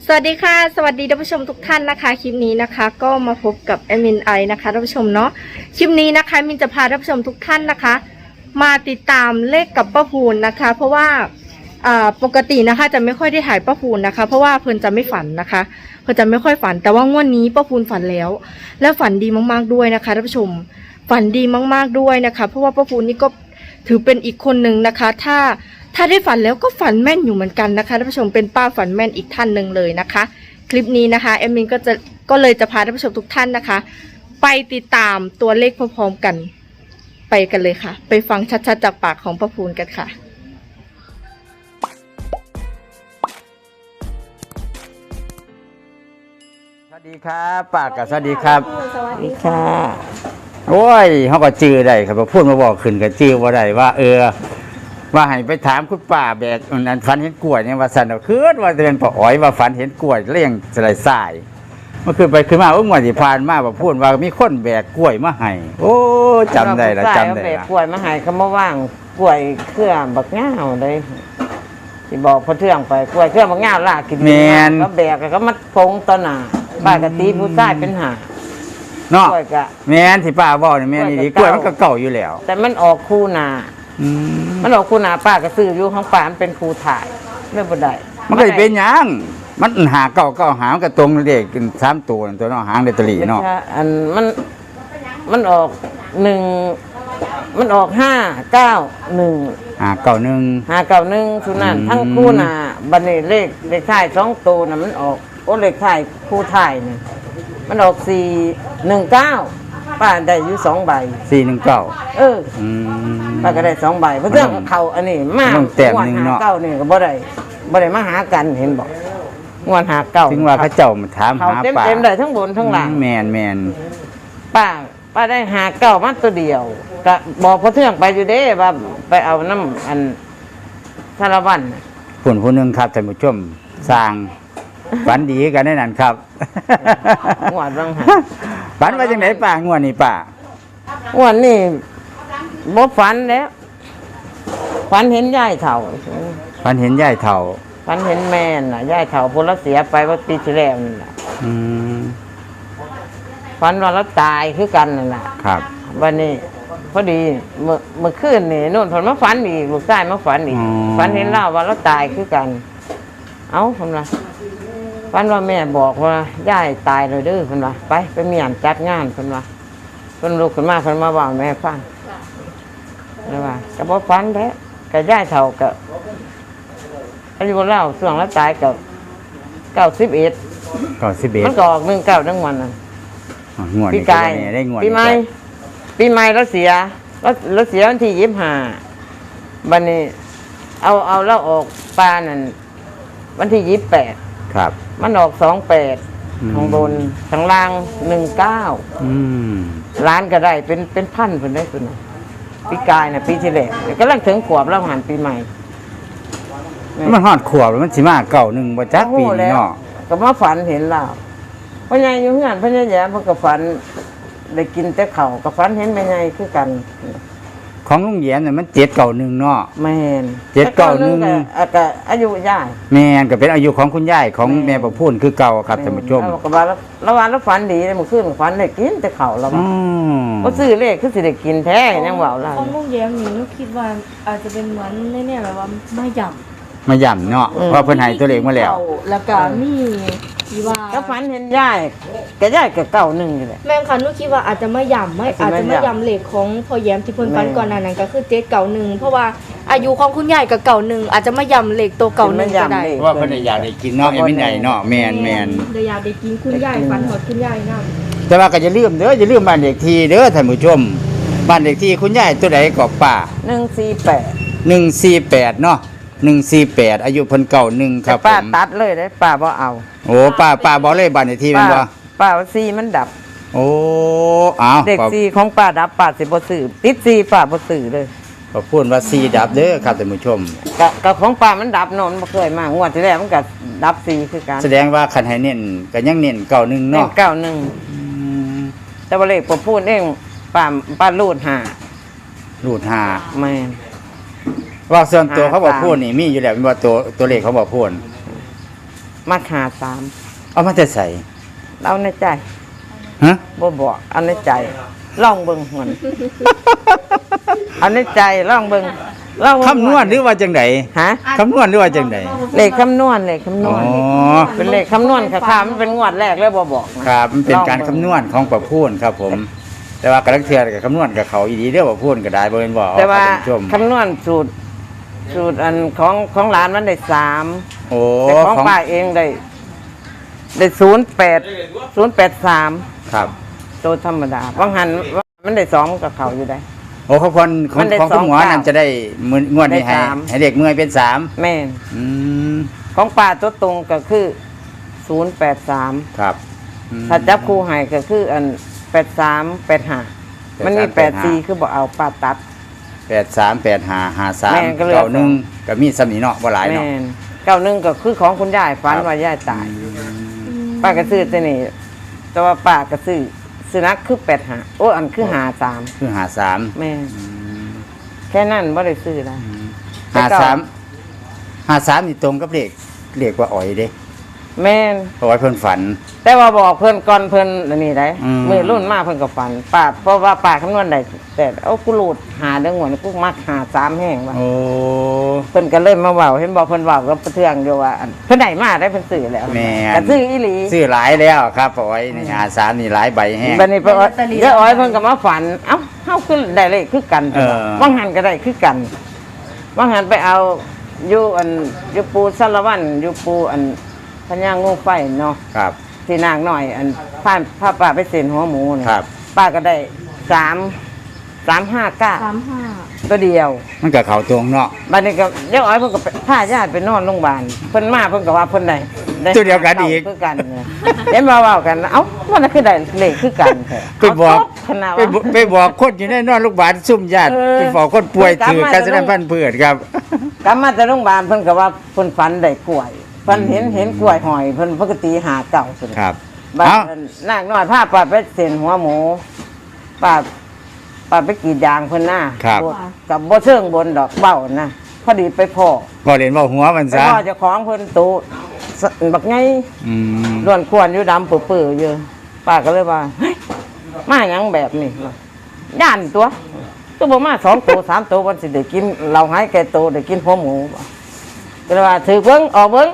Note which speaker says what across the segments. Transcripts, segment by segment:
Speaker 1: สวัสดีค่ะสวัสดีท่านผู้ชมทุกท่านนะคะคลิปนี้นะคะก็มาพบกับแอดมินไอนะคะท่านผู้ชมเนาะคลิปนี้นะคะมินจะพาท่านผู้ชมทุกท่านนะคะมาติดตามเลขกับป้าพูนนะคะเพราะว่าปกตินะคะจะไม่ค่อยได้ถ่ายป้าพูนนะคะเพราะว่าเพิ่นจะไม่ฝันนะคะเพิ่นจะไม่ค่อยฝันแต่ว่างวดนี้ป้าพูนฝันแล้วฝันดีมากๆด้วยนะคะท่านผู้ชมฝันดีมากๆด้วยนะคะเพราะว่าป้าพูนนี่ก็ถือเป็นอีกคนหนึ่งนะคะถ้าได้ฝันแล้วก็ฝันแม่นอยู่เหมือนกันนะคะท่านผู้ชมเป็นป้าฝันแม่นอีกท่านหนึ่งเลยนะคะคลิปนี้นะคะแอมมินก็เลยจะพาท่านผู้ชมทุกท่านนะคะไปติดตามตัวเลขพร้อมๆกันไปกันเลยค่ะไปฟังชัดๆจากปากของป้าพูนกันค่ะ
Speaker 2: สวัสดีครับป้ากับสวัสดีครับ
Speaker 1: สวัสดีค่ะ
Speaker 2: โอ้ยเขาก็จื้อได้ครับพูดมาบอกขึ้นก็จื้อว่าได้ว่าว่าให้ไปถามคุณป้าแบกนั้นฝันเห็นกล้วยเนี่ยว่าสันเอาคืนว่าจะเป็นป้าอ๋อยว่าฝันเห็นกล้วยเลี้ยงสลายสายเมื่อคืนไปขึ้นมาเมื่อที่ผ่านมาว่าพูดว่ามีคนแบกกล้วยมาให้โอ้จำได้ละจำได้ละ
Speaker 3: กล้วยมาให้เขามาว่างกล้วยเครือบักง่าวเลยที่บอกพอเทื่องไปกล้วยเครือบักง่าวล่ากินก็แบกก็มัดพงตอนหน้าป้ากะตีผู้ชายเป็นหา
Speaker 2: เนาะ
Speaker 3: กล้วยกะ
Speaker 2: แม่นที่ป้าบอกนี่แม่นนี่กล้วยมันก็เก่าอยู่แล้ว
Speaker 3: แต่มันออกคู่นามันออกคู่นาป้าก็ซื้ออยู่ของป้ามันเป็นครูถ่ายไม่บ่ได้
Speaker 2: มันก็จะเป็นหยังมันหาเก่าหางก็ตรงเลขกัน3ตัวตัวเนาะหางเดตลีเนาะ
Speaker 3: อันมันออก1มันออก591 591สุนันทั้งคู่นาบันนี้เลขท้าย2ตัวน่ะมันออกเลขท้ายคู่ถ่ายนี่มันออก419ป้าได้อยู่2ใบ
Speaker 2: 419
Speaker 3: ป้าก็ได้2ใบเพราะเรื่องเขาอันนี้มาก
Speaker 2: ต้องแต้มหนึ่งเนาะ
Speaker 3: 9นี่ก็บ่ได้มาหากันเห็นบอกงวด59
Speaker 2: ถึงว่าเขาเจ้ามาถาม
Speaker 3: เขา
Speaker 2: หาป้า
Speaker 3: เต็มได้ทั้งบนทั้งล่าง
Speaker 2: แมน
Speaker 3: ป้าได้59มาตัวเดียวก็บอกพอเทื่องไปอยู่เด้ว่าไปเอาน้ำอันสารวัตรน่ะ
Speaker 2: ผู้หนึงครับท่านผู้ชมสร้างฝันดีกันได้นั่นครับ
Speaker 3: งวดบางหา
Speaker 2: ฝันว่าจังไหนป้างวดนี้ป้าง
Speaker 3: วดนี้บ่ฝันแล้วฝันเห็นยายเฒ่า
Speaker 2: ฝันเห็นยายเฒ่า
Speaker 3: ฝันเห็นแม่น่ะยายเฒ่าพุ่นละเสียไปว่าปีที่แล้วนั่นน่ะ
Speaker 2: อืม
Speaker 3: ฝันว่าเราตายคือกันนั่นน่ะ
Speaker 2: ครับ
Speaker 3: วันนี้พอดีเมื่อคืนนี่นู่นผลมาฝันอีกลูกชายมาฝันอีกฝันเห็นเล่าว่าเราตายคือกัน เอ้าคนละฝันว่าแม่บอกว่าย่ายตายเลยเด้อคนละไปเมียนจัดงานคนละคนลูกขึ้นมาคนมาบอกแม่ฟังแล้วว่าก็บอกฝันแท้กับย่ายเฒ่ากับอายุเล่าส่วงแล้วตายกับ91
Speaker 2: 91
Speaker 3: มันก็ออก19ทั้งวันน่ะ
Speaker 2: งวด
Speaker 3: ปี
Speaker 2: นี้
Speaker 3: กาย
Speaker 2: ได้งวด
Speaker 3: ปีใหม่แล้วเสียวันที่25วันนี้เอาแล้วออกปลานั่นวันที่28
Speaker 2: ครับ
Speaker 3: มันออก28ข้างบนข้างล่าง19ล้านก็ได้เป็นพันคนได้คนน่ะปีกายน่ะปีที่แล้วก็ลังถึงขวบแล้วหันปีใหม่
Speaker 2: มันฮอดขวบแล้วมันสิมา91บ่จักปีนี้เนาะ
Speaker 3: ก็มาฝันเห็นเราพ่อใหญ่อยู่เฮือนพ่อใหญ่แย้มเพิ่นก็ฝันได้กินแต่ข้าวก็ฝันเห็นแม่ใหญ่คือกัน
Speaker 2: ของลุงแย้มเนี่ยมัน791เนาะ
Speaker 3: แม่น
Speaker 2: 791
Speaker 3: ก็อายุย่าย
Speaker 2: แม่นก็เป็นอายุของคุณยายของแม่ประพูนคือเก่าครับท่านผู้ชม
Speaker 3: แล้วก็ว่าแล้ววันแล้วฝันดีเลยเมื่อคืนฝันได้กินแต่ข้าวแล้วว่าบ่ซื้อเลขคือสิได้กินแท้ยังเว้าล่ะ
Speaker 1: ของลุงแย้มนี่นุคิดว่าอาจจะเป็นเหมือนเนี่ยแบบว่าไม่หย่ำ
Speaker 2: มาย่ำเนาะเพราะเพิ่นให้ตัวเลขมาแล้ว
Speaker 1: แล้วก็มีที่ว่า
Speaker 3: ก็ฝันเห็นยายก็ยายก็91นี่แหละ
Speaker 1: แม่งคันนุคิดว่าอาจจะไม่ย่ำอาจจะไม่ย่ำเหล็กของพ่อแย้มที่เพิ่นฟันก่อนหน้านั้นก็คือ791เพราะว่าอายุของคุณยายกับ91อาจจะไม่ย่ำเหล็กตัว91ก็ได้
Speaker 2: เพราะว่าเพิ่นอยากได้กินเนาะไอ้มินใหญ่เนาะแม่น
Speaker 1: เลยอยากได้กินคุณยายฟันหอดคุณยายนำ
Speaker 2: แต่ว่าก็อย่าลืมเด้ออย่าลืมบ้านเลขที่เด้อท่านผู้ชมบ้านเลขที่คุณยายตัวใดก็ป้า
Speaker 3: 148
Speaker 2: 148เนาะ148อายุเพิ่น91ค
Speaker 3: แต่
Speaker 2: รับผ
Speaker 3: ป้าม ตัดเลยได้ป้าบ่เอา
Speaker 2: โอ้ป้าบ่เลยบ้านเลขที่แม่นบ่
Speaker 3: ป้าว่า4มันดับ
Speaker 2: โอ้อ้าว
Speaker 3: เด็ก4ของป้าดับป้าสิบ่ซื้อติด4ป้าบ่ซื้อเลย
Speaker 2: ขอพูดว่า4ดับเด้อครับท่านผู้ชม
Speaker 3: ก็ของป้ามันดับเนาะมันบ่เคยมางวดที่แล้วมันก็ดับ4คือกัน
Speaker 2: แสดงว่าคันให้เน้นก็ยังเน้น91เนาะ
Speaker 3: 91แต่ว่าเลขบ่พูดเองป้ารูด5
Speaker 2: รูด
Speaker 3: แม่น
Speaker 2: 5ว่าส่วนตัวเขาบอกพูดนี่มีอยู่แล้วเป็นว่าตัวเลขเขาบอกพูด
Speaker 3: มาหาสาม
Speaker 2: เอามาแต่ใส่
Speaker 3: เอาในใจ
Speaker 2: ฮะ
Speaker 3: บ่บอกเอาในใจลองเบิ่งมัน เอาในใจลองเบิ่งลองเบิ่ง
Speaker 2: คำนวณหรือว่าจังได
Speaker 3: ฮะ
Speaker 2: คำนวณหรือว่าจังได
Speaker 3: เลขคำนวณเลขคำน
Speaker 2: อ๋
Speaker 3: ว
Speaker 2: อ
Speaker 3: ณเป็นเลขคำนวณค่ะมันเป็นงวดแรกเลยบ่บอกนะครับ
Speaker 2: มันเป็นการคำนวณของประพูนครับผม แต่ว่ากระลักเทือกับคำนวณกับเขาอีดีเด้อประพูนก็ได้บ่เป็นบ่
Speaker 3: แต่ว่า
Speaker 2: ครับท่านผู้ชม
Speaker 3: คำนวณสูตรอันของหลานมันได้3
Speaker 2: โอ้
Speaker 3: แต่ของ
Speaker 2: ของ
Speaker 3: ป้าเองได้083
Speaker 2: ครับ
Speaker 3: ตัวธรรมดาบางหันมันได้2กับเขาอยู่ได้
Speaker 2: โอ้เขาคนของ
Speaker 3: มันได้
Speaker 2: ของคุณหมอ
Speaker 3: สองเก้า
Speaker 2: นั่นจะได้มื้องวดนี้ให้
Speaker 3: ได้สาม
Speaker 2: ให้เด็กเมื่อยเป็นสาม
Speaker 3: แม่น
Speaker 2: อืม
Speaker 3: ของป้าตัวตรงก็คือ083
Speaker 2: ครับอืม
Speaker 3: ถ้าจับคู่ให้ก็คืออัน83 85มันมี84คือบ่เอาป้าตัด
Speaker 2: 83 85 53
Speaker 3: แม่นก็เหลือ
Speaker 2: 91ก็มีสำนีเนาะบ่หลาย
Speaker 3: แม่
Speaker 2: เนาะ
Speaker 3: น91ก็คือของคุณยายฝัน
Speaker 2: ครับ
Speaker 3: ว่ายายตาย ป้าก็ซื้อตัวนี้แต่ว่าป้าก็ซื้อสุนัขคือ85โอ้อันคือ53
Speaker 2: คือ53
Speaker 3: แม่นแค่นั้นบ่ได้ซื้อนะ แต่เก่า
Speaker 2: 53นี่ตรงกับเลขว่าอ๋อยเด้
Speaker 3: แม่น
Speaker 2: เพราะว่าเพิ่นฝัน
Speaker 3: แต่ว่าบอกเพิ่นก่อนเพิ่นอันนี้ได้
Speaker 2: อืม
Speaker 3: มือรุ่นมาเพิ่นก็ฝันป้าเพราะว่าป้าคำนวณได้แต่เอากูรูดหาเด้งวดกูมักหา3แห้งว่า
Speaker 2: โอ้
Speaker 3: เพิ่นก็เลยมาเว้าเห็นบอกเพิ่นเว้ากับเทืองอยู่ว่าอันเพิ่นได้มาได้เพิ่นซื้อแล้ว
Speaker 2: แม่น
Speaker 3: ก็ซื้ออีหลี
Speaker 2: ซื้อหลายแล้วครับอ๋อยนี่53นี่หลายใบแห้ง
Speaker 3: บัดนี้ไปเยอะอ้อยเพิ่นก็มาฝันเอ้าเฮาคือได้เลขคือกัน
Speaker 2: เออ
Speaker 3: ว่างหันก็ได้คือกันว่างหันไปเอาอยู่อันอยู่ปูสารวัตรอยู่ปูอันพญางูไฟเนาะ
Speaker 2: ครับ
Speaker 3: ที่นางน้อยอันพาป้าไปเซ็นหัวหมูเนี่ย
Speaker 2: ครับ
Speaker 3: ป้าก็ได้359
Speaker 1: 35
Speaker 3: ตัวเดียว
Speaker 2: มันก็เข้าตรงเนาะ
Speaker 3: บัดนี้ก็เดี๋ยวอ้อยเพิ่นก็พาญาติไปนอนโรงพยาบาลเพิ่นมาเพิ่นก็ว่าเพิ่นได้
Speaker 2: ตัวเดียวกันอีก
Speaker 3: คือกันเนี่ยเห็นมาเว้ากันเอ้ามันน่ะคือได้เลขคือกันแท้
Speaker 2: ไปบอก
Speaker 3: เาตขนาด
Speaker 2: ไป
Speaker 3: ว่า
Speaker 2: บอกไปบอกคนอยู่ในนอนโรงพยาบาลซุ่มญาติ
Speaker 3: เออ
Speaker 2: ไปบอกคนป่วย
Speaker 3: กลับ
Speaker 2: ถือ
Speaker 3: มา
Speaker 2: การแสดงพันธุ์พืชครับ
Speaker 3: กลับมาจากโรงพยาบาลเพิ่นก็ว่าเพิ่นฝันได้กล้วยเพิ่นเห็นกล้วยหอยเพิ่นปกติหาเก่าสุด
Speaker 2: ครับ
Speaker 3: บัด
Speaker 2: เอ้า
Speaker 3: นางน้อยพาป้าไปเส้นหัวหมูป้าไปกรีดยางเพิ่นหน้า
Speaker 2: ครับ
Speaker 3: กับบ่เชิงบนดอกเบ้านะพอดีไปพ่อ
Speaker 2: พอเรียนว่าหัวมัน
Speaker 3: ไป
Speaker 2: ซะ
Speaker 3: พ่อเจ้าของเพิ่นตูบักไง
Speaker 2: อืม
Speaker 3: ล้วนควรอยู่ดำปื้อๆอยู่ป้าก็เลยว่าเฮ้ยมาหยังแบบนี้ย่านตัวบ่มา2ตัว3ตัววันสิได้กินเราหายแก่ตัวได้กินหัวหมูบ่ก็เลยว่าถือเบิ่งออกเบิ่ง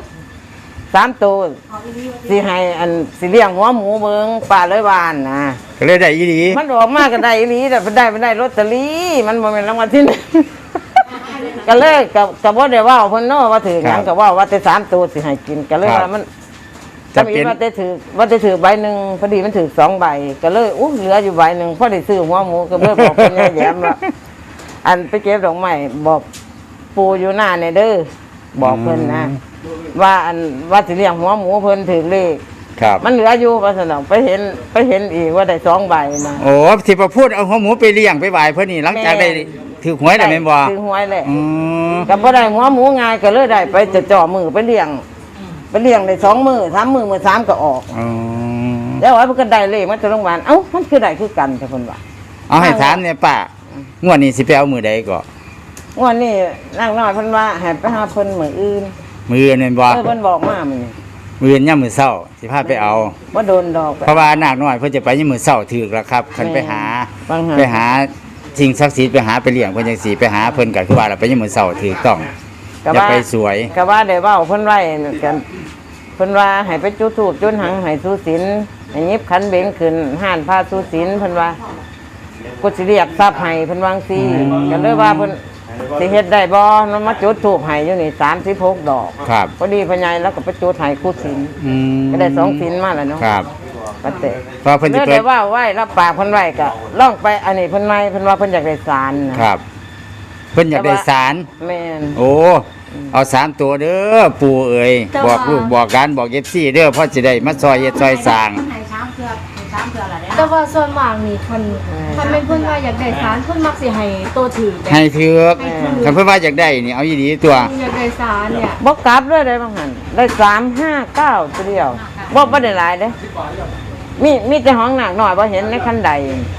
Speaker 3: 3ตัวสิให้อันสิเลี้ยงหัวหมูเบิ่งป้าเลยว่านะ
Speaker 2: ก็เลยได้อีหลี
Speaker 3: มันออกมาก็ได้อีหลีแต่มันได้ลอตเตอรี่มันบ่แม่นรางวัลที่หนึ่ง ก็เลยก็บ่ได้เว้าเพิ่นเนาะว่าถือหยังก็เว้าว่าแต่3ตัวสิให้กินก็เลยว่ามัน
Speaker 2: จะ
Speaker 3: จำ
Speaker 2: เป็
Speaker 3: อี
Speaker 2: น
Speaker 3: ว่าได้ถือใบหนึ่งพอดีมันถือ2ใบก็เลยเหลืออยู่ใบหนึ่งพอได้ซื้อหัวหมูก็เลยบอกเป็นแย้มว่าอันไปเก็บดอกไม้บอกปูอยู่หน้าเนี่ยเด้อบอกเพิ่นนะว่าอันว่าสิเลี้ยงหัวหมูเพิ่นถือเลข
Speaker 2: ครับ
Speaker 3: มันเหลืออยู่ว่าสนองไปเห็นอีกว่าได้2ใบนะ
Speaker 2: โอ้ที่ประพูดเอาหัวหมูไปเลี้ยงไปไหว้เพิ่นนี่หลังจากได้ถือหวยได้แม่นบ่
Speaker 3: ถือหวยแหละ
Speaker 2: อืม
Speaker 3: ก็บ่ได้หัวหมูง่ายก็เลยได้ไปจะจ่อมือไปเลี้ยงได้2มื้อ3มื้อมื้อ3ก็ออก
Speaker 2: อืม
Speaker 3: แล้วว่าเพิ่นก็ได้เลขมาจากโรงพยาบาลเอ้ามันคือได้คือกันแต่เพิ่นว่า
Speaker 2: เอาให้ถามเนี่ยป้างวดนี้สิไปเอามือใดก็
Speaker 3: งวดนี้นางน้อยเพิ่นว่าให้ไปหาเพิ่นมื้ออื่น
Speaker 2: มือนั่นบ่
Speaker 3: เพิ่นบอกมามื้อนี้
Speaker 2: มือยามมื้อเช้าสิพาไปเอา
Speaker 3: บ่โดนดอก
Speaker 2: เพราะว่านาคน้อยเพิ่นจะไปยามมื้อเช้าถูกแล้วครับคันไปหา
Speaker 3: บางหา
Speaker 2: ไปหาสิ่งศักดิ์สิทธิ์ไปหาไปเลี้ยงเพิ่นจังซี่ไปหาเพิ่นก็คือว่าเราไปยามมื้อเช้าถูกต้อง
Speaker 3: ก็
Speaker 2: อย่า
Speaker 3: ว่า
Speaker 2: ไปสวย
Speaker 3: ก็ว่าได้เว้าเพิ่นไว้กันเพิ่นว่าให้ไปจุดธูปจุดหังให้สุศีลให้หยิบขันเบนขึ้นห้านพาสุศีลเพิ่นว่ากูสิเรียกทรัพย์ให้เพิ่นวาจั่งซี่ก็เลยว่าเพิ่นสิเฮ็ดได้บ่มันมาจุดธูปให้อยู่นี่36ดอก
Speaker 2: ครับ
Speaker 3: พอดีพ่อใหญ่แล้วก็ไปจุดให้ครูศีล
Speaker 2: อืม
Speaker 3: ก็ได้2ศีลมาแล้วเนาะ
Speaker 2: ครับ
Speaker 3: ก็เตะ
Speaker 2: เพราะเพิ่นสิ
Speaker 3: เลือก
Speaker 2: เปิ
Speaker 3: ได้
Speaker 2: ด
Speaker 3: ว่าไหว้รับปากเพิ่นไว้ก็ล่องไปอันนี้เพิ่นไม่เพิ่นว่าเพิ่นอยากได้ศาลนะครับ
Speaker 2: เพิ่นอยากได้สาร
Speaker 3: แม่น
Speaker 2: โอ้ เอา3ตัวเด้อปู่เอ๋ยบอกลูกบอกกันบอก FC เด้อเพราะสิได้มาซอยเฮ็ดซอยสร้าง
Speaker 1: แต่ว่าส่วนมากนี่คนถ้าแม่นเพิ่นว่าอยากได้สารเพิ่นมักสิให้โตถือแบบ
Speaker 2: ให้ถือกคันเพิ่นว่าอยากได้นี่เอาอีหลีตัว
Speaker 1: อยากได้สารเนี่ย
Speaker 3: บ่กลับเลยได้บางหันได้359ตัวเดียวบ่ได้หลายเด้มีแต่ห้องหนักหน่อยบ่เห็นในคันใด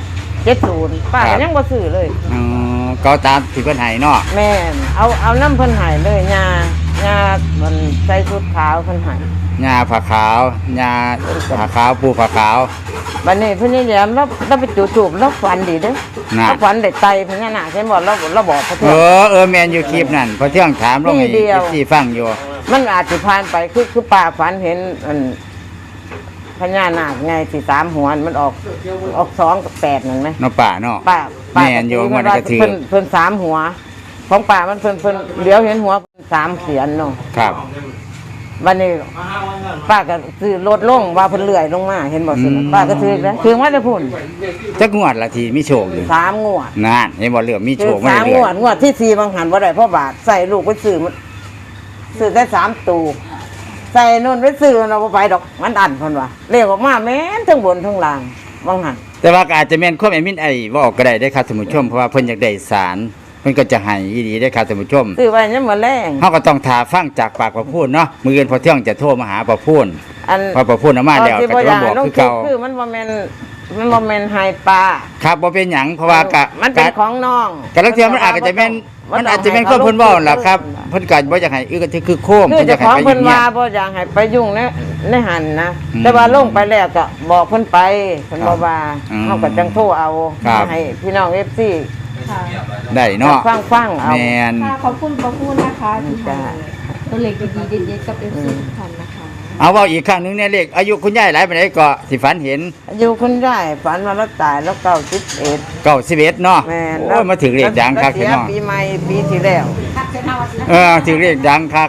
Speaker 3: 70ป้า
Speaker 2: ครั
Speaker 3: ก็
Speaker 2: บ
Speaker 3: ยังบ่ซื้อเลย
Speaker 2: อ๋อก็ตามที่เพิ่นให้เนาะ
Speaker 3: แม่นเอาน้ำเพิ่นให้เลยญามันใส่ชุดขาวเพิ่นให้
Speaker 2: ญาผาขาวญาผาขาวปูผาขาว
Speaker 3: บัดนี้เพิ่นนี่แย้มเราไปจุดทูบเราฝันดีเด้อ
Speaker 2: น่ะ
Speaker 3: เราฝันได้ไตพญานาคเห็นบ่เราบอกพระเถ
Speaker 2: เอ
Speaker 3: อะ
Speaker 2: อแมนอยู่คลิปนั่นพอเที่ยงถามลงให้
Speaker 3: นี่เดียว
Speaker 2: ที่ฟังอยู่
Speaker 3: มันอาจสิผ่านไปคือป้าฝันเห็นอันพญานาคไงสิ3หัวมันออก2กับ8นั่นไหม
Speaker 2: เนาะป่าเนาะ
Speaker 3: ป้า
Speaker 2: แม่นอยู่มันก็ถือ
Speaker 3: เพิ่น3หัว ของป้ามันเพิ่นเดี๋ยวเห็นหัว3เสียนเนาะ
Speaker 2: ครับ
Speaker 3: วันนี้ป้าก็ซื้อรถลงว่าเพิ่นเลื่อยลงมาเห็นบ่สิป้าก็ซื้อแล้วถึงว่าได้พุ่น
Speaker 2: จักงวดละทีมีโชคอยู่
Speaker 3: 3งวด
Speaker 2: นั่นเห็นบ่เรื่องมีโช
Speaker 3: ซื้อ
Speaker 2: คมา
Speaker 3: 3
Speaker 2: เรื่
Speaker 3: ง
Speaker 2: อ
Speaker 3: วย ดงวดที่4บางหันบ่ได้เพราะบาทใส่ลูกไปซื้อมันซื้อได้3ตูใส่นู่นไปซื้อเราบ่ไปดอกมันอันเพิ่นว่าเลขออกมาแม่นทั้งบนทั้งล่างบางหัน
Speaker 2: แต่ว่าก็อาจจะแม่นความแอดมินไอ้เว้าก็ได้ได้อครับท่านผู้ชมเพราะว่าเพิ่นอยากได้สารเพิ่นก็จะให้อีหลีได้อครับท่านผู้ชม
Speaker 3: ซื้อไว้ยังมื้อแรง
Speaker 2: เฮาก็ต้องทาฟังจากปากประพูนเนาะมื้ออื่นพอเที่ยงจะโทรมาหาประพูน
Speaker 3: อัน
Speaker 2: พอประพูนเอามาแล้ว
Speaker 3: ที่
Speaker 2: ก็
Speaker 3: บ่
Speaker 2: จะ
Speaker 3: อยา
Speaker 2: มาบอก
Speaker 3: ลง
Speaker 2: คือ
Speaker 3: คลิป
Speaker 2: เก่า
Speaker 3: คือมันบ่แม่นไฮปลา
Speaker 2: ครับบ่เป็นหยังเพราะว่าก็
Speaker 3: มันเป็นของน้อง
Speaker 2: กะลังเทื่อมันอาจจะแม่นมันอาจจะแม่นความเพิ่นเว้าล่ะครับเพิ่นก็บ่อยากให้ก็คือโค้ง
Speaker 3: คือ
Speaker 2: เพิ่นอ
Speaker 3: เจ้าย
Speaker 2: าก
Speaker 3: ของ
Speaker 2: ให้ไป
Speaker 3: เพิ่น
Speaker 2: เงีย
Speaker 3: ว่า
Speaker 2: บ
Speaker 3: บ่อยากให้ไปยุ่งในหันนะ
Speaker 2: อืม
Speaker 3: แต่ว่าลงไปแล้วก็บอกเพิ่นไปเพิ่น
Speaker 2: ครับ
Speaker 3: บ่ว่า
Speaker 2: อืม
Speaker 3: เฮาก็จังโทรเอา
Speaker 2: ครับ
Speaker 3: ให้พี่น้อง FC
Speaker 1: ค่ะ
Speaker 2: ได้เนาะ
Speaker 3: ฟังเอา
Speaker 2: แม่น
Speaker 1: ค่ะขอบคุณประพูนนะคะที่
Speaker 3: จ้า
Speaker 1: ให้ตัวเล็กดีๆเด็ดๆกับเอฟซีทุกท่านนะคะ
Speaker 2: เอาเว้าอีกครั้งหนึงเนี่ยเลขอายุคุณยายหลายปานใดก็สิฝันเห็น
Speaker 3: อยู่คุณยายฝันว่าเราตายแล้ว91
Speaker 2: 91เนาะ
Speaker 3: แม่น
Speaker 2: โอ้ยมาถึงเลขดังคัก
Speaker 3: เสี
Speaker 2: พี่
Speaker 3: ย
Speaker 2: น้อง
Speaker 3: ปีใหม่ปีที่แล้ว
Speaker 2: ถึงเลขดังคัก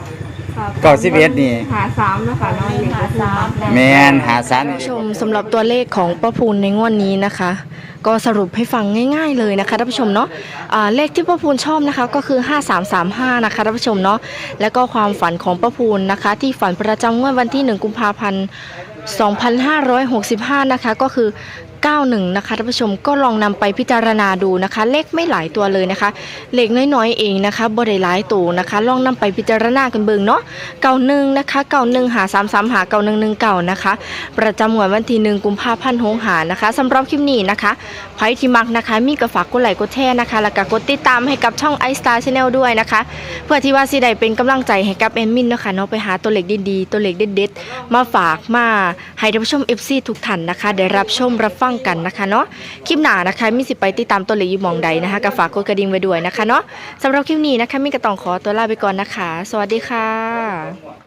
Speaker 2: 91นี่
Speaker 1: หา3นะคะน้องเล็กหา3
Speaker 2: แม่นหาสาร
Speaker 1: ผู้ชมสำหรับตัวเลขของป้าพูนในงวดนี้นะคะ ก็สรุปให้ฟังง่ายๆเลยนะคะท่านผู้ชมเนาะเลขที่ป้าพูนชอบนะคะก็คือ5335นะคะท่านผู้ชมเนาะแล้วก็ความฝันของป้าพูนนะคะ ที่ฝันประจำงวดวันที่1กุมภาพันธ์2565นะคะก็คือ91นะคะท่านผู้ชมก็ลองนำไปพิจารณาดูนะคะ เลขไม่หลายตัวเลยนะคะเลขน้อยๆเองนะคะบ่ได้หลายตัวนะคะลองนำไปพิจารณากันเบิ่งเนาะ91นะคะ91หา33หา9119นะคะประจำงวดวันที่1กุมภาพันธ์65นะคะสำหรับคลิปนี้นะคะใครที่มักนะคะมีก็ฝากกดไลค์กดแชร์นะคะแล้วก็กดติดตามให้กับช่อง iStar Channel ด้วยนะคะเพื่อที่ว่าสิได้เป็นกำลังใจให้กับแอดมินเนาะค่ะเนาะไปหาตัวเลขดีๆตัวเลขเด็ดๆมาฝากมาให้ท่านผู้ชม FC ทุกท่านนะคะได้รับชมรับฟังกันนะคะเนาะคลิปหน้านะคะมีสิไปติดตามตัวเลขอยู่หมองใดนะคะก็ฝากกดกระดิ่งไว้ด้วยนะคะเนาะสำหรับคลิปนี้นะคะมีก็ต้องขอตัวลาไปก่อนนะคะ สวัสดีค่ะ